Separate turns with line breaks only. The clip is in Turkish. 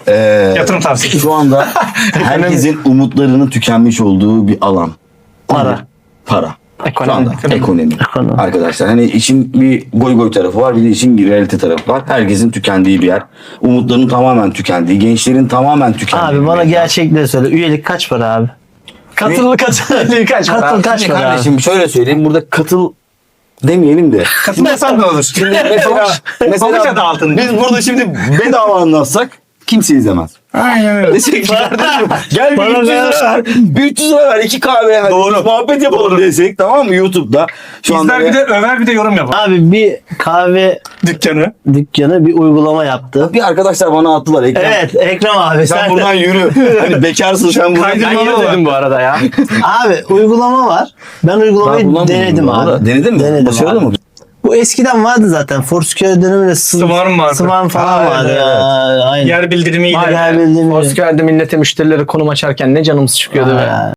Yatırım tavsiyesi.
Şu anda herkesin umutlarının tükenmiş olduğu bir alan.
Para.
Para. Şu
Ekonomi.
anda ekonomi.
Ekonomi.
Arkadaşlar hani işin bir goy goy tarafı var, bir de işin bir realite tarafı var. Herkesin tükendiği bir yer. Umutların tamamen tükendiği, gençlerin tamamen tükendiği.
Abi bana
bir yer.
gerçekleri söyle. Üyelik kaç para abi?
Katıl kaç
Katıl kaç
Şimdi
para abi?
kardeşim şöyle söyleyeyim, burada katıl demeyelim de.
Katılmasan da olur.
Şimdi
Pamuç adı altında.
biz burada şimdi bedava anlatsak kimse izlemez.
Aynen öyle.
Desek ki kardeşim gel bir
Bana
300 lira ver. Bir 300 lira ver, 2 kahve. Hadi
Doğru.
muhabbet yapalım desek, tamam mı, YouTube'da. Şu anda
İzler bir de över bir de yorum yapar.
Abi bir kahve
Dükkanı.
dükkanı bir uygulama yaptı.
bir arkadaşlar bana attılar. Ekrem,
Evet Ekrem abi
sen
sen
buradan yürü. Hani bekarsın sen buradan.
Kaydırmalı olan.
bu arada ya. Abi uygulama var. Ben uygulamayı denedim abi.
Denedin mi?
Denedim
Başarılı
abi.
mı?
Bu eskiden vardı zaten. Foursquare döneminde
Swarm vardı.
Swarm falan
Aynen,
vardı.
evet.
Ya, aynen.
Yer bildirimiyle.
Yer bildirimi.
Foursquare'de millete müşterilere konum açarken ne canımız çıkıyordu be.
Ha.